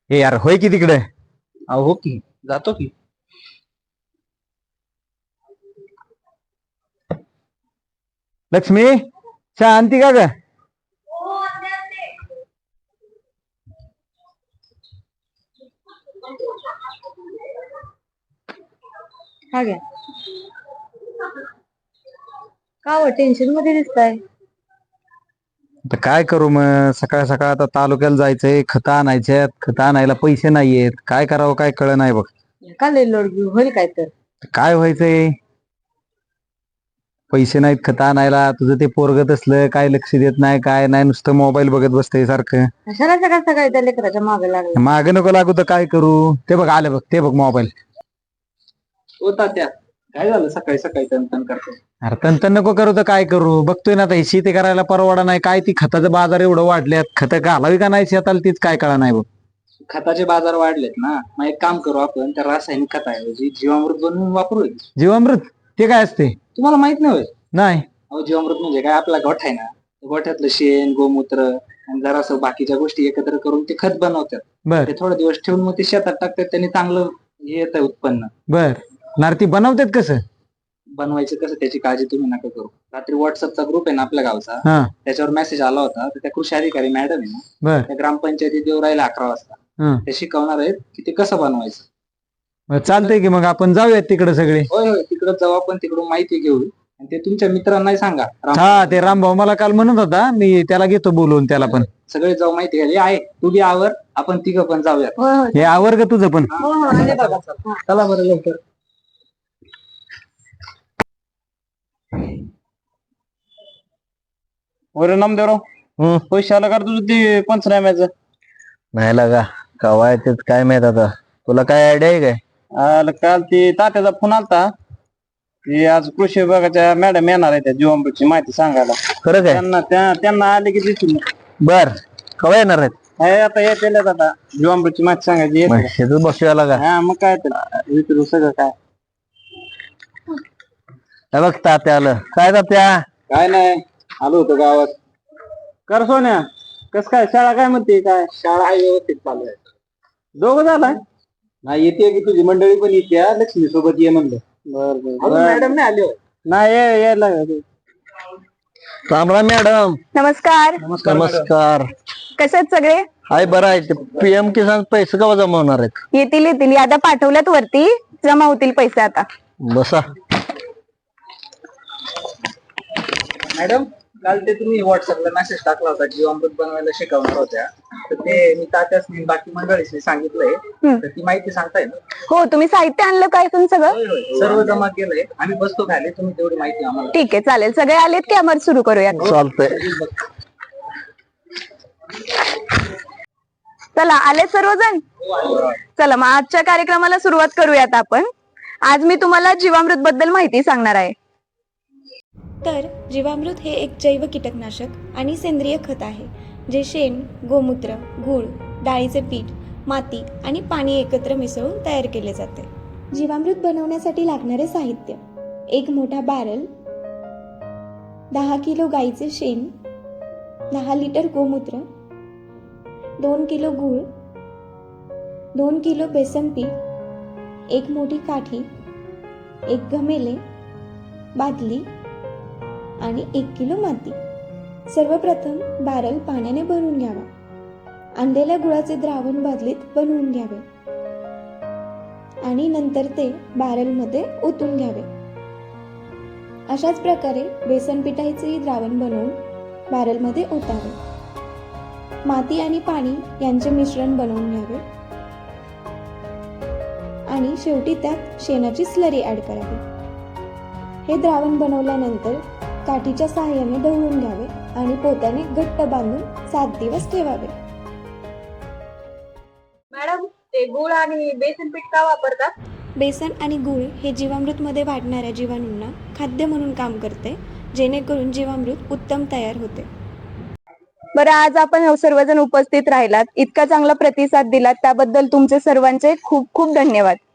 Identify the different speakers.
Speaker 1: हे यार होय की तिकडे.
Speaker 2: हो की जातो की.
Speaker 1: लक्ष्मी चहा आणती का ग?
Speaker 3: हा घ्या. का हो टेन्शन मध्ये दिसताय?
Speaker 1: आता काय करू मग, सकाळ सकाळ आता तालुक्याला जायचंय, खतं आणायच्यात, खतं आणायला पैसे नाहीयेत, काय करावं काय कळ नाही बघ.
Speaker 3: का लय लोड घेऊ, होईल काय तर.
Speaker 1: काय व्हायचंय, पैसे नाहीत खतं आणायला. तुझं ते पोरगत असलं काय लक्ष देत नाही, काय नाही, नुसतं मोबाईल बघत बसतंय सारखं.
Speaker 3: कशाला सकाळ सकाळी त्या लेकराच्या मागे लागला?
Speaker 1: मागे नको लागू तर काय करू. ते बघ आले बघ, ते बघ मोबाईल.
Speaker 2: हो तात्या, काय झालं सकाळी सकाळी तन करते?
Speaker 1: अरे तंतन नको करू तर काय करू. बघतोय ना आता हे शेती करायला परवडा नाही, काय ती खताचं बाजार एवढं वाढल्यात, खतं घालावी का नाही शेताला तीच काय कळा नाही बघ.
Speaker 2: खताचे बाजार वाढलेत ना, मग एक काम करू आपण, त्या रासायनिक खताऐवजी जीवामृत बनवून वापरू.
Speaker 1: जीवामृत ते काय असते?
Speaker 2: तुम्हाला माहित नाही होय?
Speaker 1: नाही.
Speaker 2: अहो जीवामृत म्हणजे काय, आपला गोठा आहे ना, गोठ्यातलं शेण गोमूत्र आणि जरासं बाकीच्या गोष्टी एकत्र करून ते खत बनवतात.
Speaker 1: बर
Speaker 2: ते थोडे दिवस ठेवून मग ते शेतात टाकतात, त्यांनी चांगलं येत आहे उत्पन्न.
Speaker 1: बर नारती बनवतात कसं?
Speaker 2: बनवायचं कसं त्याची काळजी तुम्ही नका करू. रात्री व्हॉट्सअपचा ग्रुप आहे ना आपल्या गावचा,
Speaker 1: हा
Speaker 2: त्याच्यावर मेसेज आला होता. तर त्या कृषी अधिकारी मॅडम आहे ना,
Speaker 1: बर
Speaker 2: त्या ग्रामपंचायतीत येऊ राहिला 11 वाजता.
Speaker 1: हं.
Speaker 2: ते शिकवणार आहेत की ते कसं बनवायचं.
Speaker 1: मग चालतंय की मग आपण जाऊयात तिकडे सगळे.
Speaker 2: होय होय, तिकडं जाऊ आपण, तिकडून माहिती घेऊ आणि ते तुमच्या मित्रांनाही सांगा.
Speaker 1: हा ते रामभाऊ मला काल म्हणत होता, मी त्याला घेतो बोलवून त्याला पण.
Speaker 2: सगळे जाऊ माहिती घ्यायला. आहे तू बी आवर, आपण तिघं पण जाऊयात.
Speaker 3: होय होय.
Speaker 1: हे आवर का तुझं पण?
Speaker 3: हो हो आले बघा. हा.
Speaker 2: चला बरं लवकर.
Speaker 4: वरे नामदेवराव, पैसे आला का रे तुझं ते पंचनाम्याचं?
Speaker 1: नाही लागा कवा येतेच काय माहित आता. तुला काय आयडिया आहे काय?
Speaker 4: आलं काल ते तात्याचा फोन आलता की आज कृषी विभागाच्या मॅडम येणार आहे त्या जीवामृतची माहिती सांगायला.
Speaker 1: खरं काय?
Speaker 4: त्यांना आले की दिसून.
Speaker 1: बर कवा येणार आहेत?
Speaker 4: आता येते आता जीवामृतची माहिती सांगायची येते.
Speaker 1: शेतच बसूया लागा.
Speaker 4: हा मग काय तर विचारू सगळं काय.
Speaker 1: हे बघ तात्या आलं. काय तात्या?
Speaker 4: काय नाही, आलो होतो गावात. कर सोन्या, कस काय शाळा काय म्हणते? काय
Speaker 2: शाळा आहे व्यवस्थित चालू आहे.
Speaker 4: दोघं झालाय?
Speaker 2: नाही येते की तुझी मंडळी पण येते, लक्ष्मी सोबत ये म्हणलं.
Speaker 4: बर
Speaker 2: मॅडम नाही आले होय?
Speaker 4: नाही यायला.
Speaker 1: रामराम मॅडम.
Speaker 3: नमस्कार.
Speaker 1: नमस्कार.
Speaker 3: कसे आहेत सगळे?
Speaker 1: हाय बरं आहे. ते PM किसान पैसे केव्हा जमा होणार आहेत?
Speaker 3: येतील येतील, आता पाठवल्यात वरती, जमा होतील पैसे आता.
Speaker 1: बसा.
Speaker 2: मॅडम काल ते तुम्ही व्हॉट्सअपला मेसेज टाकला होता जीवामृत बनवायला शिकवणार होत्या, तर ते मी तात्यासनी बाकी मंडळीसनी सांगितलंय. तर ती माहिती सांगताय ना?
Speaker 3: हो, तुम्ही साहित्य आणलं काय तुम सगळं?
Speaker 2: होय होय, सर्व जमा केलंय. आम्ही बसतो खाली, तुम्ही तेवढी माहिती आम्हाला.
Speaker 3: ठीक आहे चालेल. सगळे आलेत की आम्हाला सुरू करूया?
Speaker 1: चालतंय.
Speaker 3: चला आले सर्वजण. चला मग आजच्या कार्यक्रमाला सुरुवात करूयात आपण. आज मी तुम्हाला जीवामृत बद्दल माहिती सांगणार आहे.
Speaker 5: तर जीवामृत हे एक जैव कीटकनाशक आणि सेंद्रिय खत आहे, जे शेण, गोमूत्र, गूळ, डाळीचे पीठ, माती आणि पाणी एकत्र मिसळून तयार केले जाते. जीवामृत बनवण्यासाठी लागणारे साहित्य: 1 मोठा बॅरल, 10 किलो गाईचे शेण, 10 लिटर गोमूत्र, 2 किलो गूळ, 2 किलो बेसन पीठ, 1 मोठी काठी, 1 घमेले, बादली आणि 1 किलो माती. सर्वप्रथम बॅरल पाण्याने भरून घ्यावा. आणलेल्या गुळाचे द्रावण बादलीत बनवून घ्यावे आणि नंतर ते बॅरलमध्ये ओतून घ्यावे. अशाच प्रकारे बेसन पिठाचे द्रावण बनवून बॅरलमध्ये ओतावे. माती आणि पाणी यांचे मिश्रण बनवून घ्यावे आणि शेवटी त्यात शेणाची स्लरी ऍड करावी. हे द्रावण बनवल्यानंतर काठीच्या सहाय्याने ढवळून घ्यावे आणि पोत्याने घट्ट बांधून 7 दिवस ठेवावे.
Speaker 3: मॅडम ते गूळ आणि बेसन पीठ का वापरतात?
Speaker 5: बेसन आणि गूळ हे जीवामृतमध्ये वाढणाऱ्या जीवाणूंना खाद्य म्हणून काम करते, जेणेकरून जीवामृत उत्तम तयार होते.
Speaker 3: बरं, आज आपण सर्वजण उपस्थित राहिलात, इतका चांगला प्रतिसाद दिलात त्याबद्दल तुमचे सर्वांचे खूप खूप धन्यवाद.